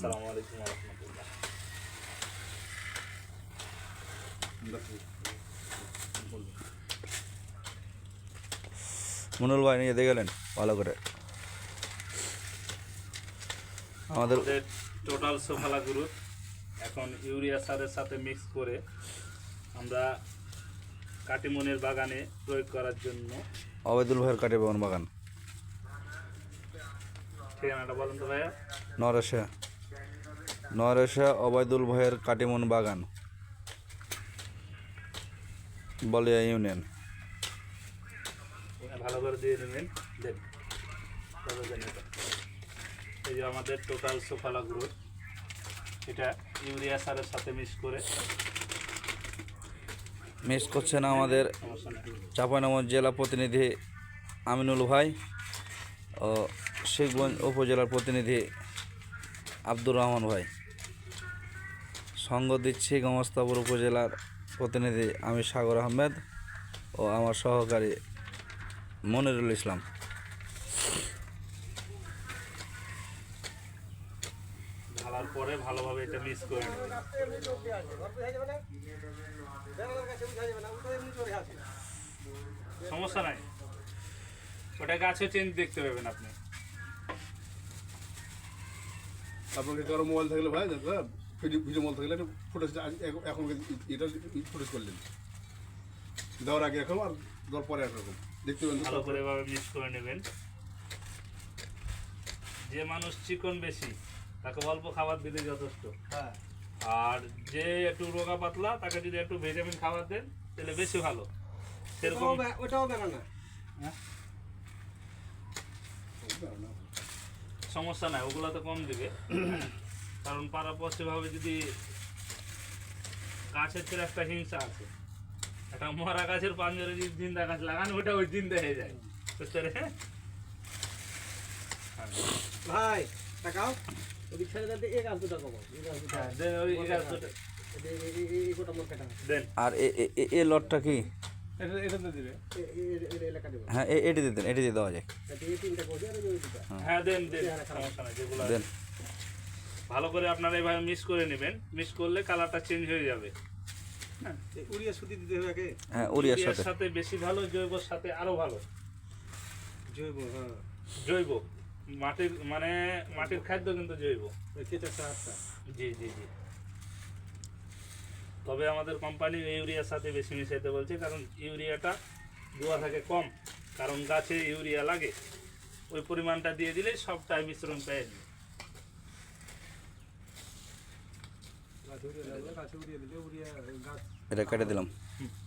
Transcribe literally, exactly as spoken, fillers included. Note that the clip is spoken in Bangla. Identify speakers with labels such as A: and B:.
A: আসসালামু আলাইকুম ওয়া রাহমাতুল্লাহ।
B: মনুল ভাই নিয়ে দিয়ে গেলেন ভালো করে। আমাদের
A: টোটাল সোফালা গ্রুপ এখন ইউরিয়া সারের সাথে মিক্স করে আমরা কাটিমনের বাগানে প্রয়োগ করার জন্য।
B: অবেদুল ভাইয়ের কাটিমন বাগান,
A: ঠিকানাটা বলেন তো ভাইয়া।
B: নরেশা নরেশা অবেদুল ভাইয়ের কাটিমন বাগান, বলিয়া ইউনিয়ন।
A: ভালো করে দিয়ে নেবেন। দেন এই যে আমাদের টোটাল সোফালা গ্রুপ, এটা ইউরিয়া সারের সাথে মিক্স করে
B: মিক্স করছেন আমাদের চাঁপাইনবাবগঞ্জ জেলা প্রতিনিধি আমিনুল ভাই ও শিখগঞ্জ উপজেলার প্রতিনিধি আব্দুর রহমান ভাই। সঙ্গ দিচ্ছি গমস্তাপুর উপজেলার প্রতিনিধি আমি সাগর আহমেদ ও আমার সহকারী মনিরুল ইসলাম।
A: ঢালার পরে ভালোভাবে এটা মিক্স করে নেবেন। সমস্যা নাই, ওটা গাছে চেঞ্জ দেখতে পাবেন আপনি।
C: আপনাকে কারো মোবাইল থাকলে ভাই দাদা ভিডিও মোবাইল থাকলে ফুটেজ এখন এটা ফুটেজ করলেন দেওয়ার আগে এখন আর দেওয়ার পরে একরকম দেখতে পাবেন।
A: ভালো করে এভাবে মিক্স করে নেবেন। যে মানুষ চিকন বেশি তাকে অল্প খাবার দিলে যথেষ্ট।
D: হ্যাঁ,
A: আর যে একটু রোগা পাতলা তাকে যদি একটু ভিটামিন খাবার দেন তাহলে বেশি ভালো। সেরকম
D: ওটাও বেরো না,
A: সমস্যা নাই, ওগুলো তো কম দিবে। কারণ পারাপর্যভাবে যদি গাছের থেকে একটা হিংসা আছে, একটা মরা গাছের পাঞ্জরে যদি জিন্দা গাছ লাগান ওটা ওই জিন্দা হয়ে যায়, বুঝতে পারে।
D: ভাই টাকাও ওদিক ছেড়ে দিতে এই গাছ দুটো কমাও, এই গাছ দুটো
A: দেন ওই গাছ দুটো
D: এই গোটা মোর কাটা
A: দেন।
B: আর এ লটটা কি?
A: এটা এটাতে দিবে।
D: এই এলাকা দেব।
B: হ্যাঁ এটি দিতেন, এটি দিয়ে দেওয়া যায়।
D: এই তিনটা কোজি আর ওই দুটো।
A: হ্যাঁ দেন দেন, সমস্যা নাই। যেগুলো
B: দেন
A: ভালো করে আপনারা এইভাবে মিক্স করে নেবেন। মিক্স করলে কালারটা চেঞ্জ হয়ে যাবে।
D: হ্যাঁ, ইউরিয়া সুতি দিতে হবে আগে।
B: হ্যাঁ উড়িয়ার
A: ইউরিয়ার
B: সাথে
A: সাথে বেশি ভালো, জৈবর সাথে আরো ভালো।
D: জৈব, হ্যাঁ,
A: জৈব মাটির মানে মাটির খাদ্য কিন্তু জৈব।
D: কেঁচা সারটা।
A: জি জি জি। তবে আমাদের কোম্পানি ইউরিয়ার সাথে বেশি মিশাইতে বলছে, কারণ ইউরিয়াটা দেওয়া থাকে কম, কারণ গাছে ইউরিয়া লাগে। ওই পরিমাণটা দিয়ে দিলে সবটাই মিশ্রণ পেয়ে যাবে।
D: গাছ উড়িয়ে দিলে গাছ উড়িয়ে দিলে উড়িয়া গাছ
B: এটা কেটে দিলাম।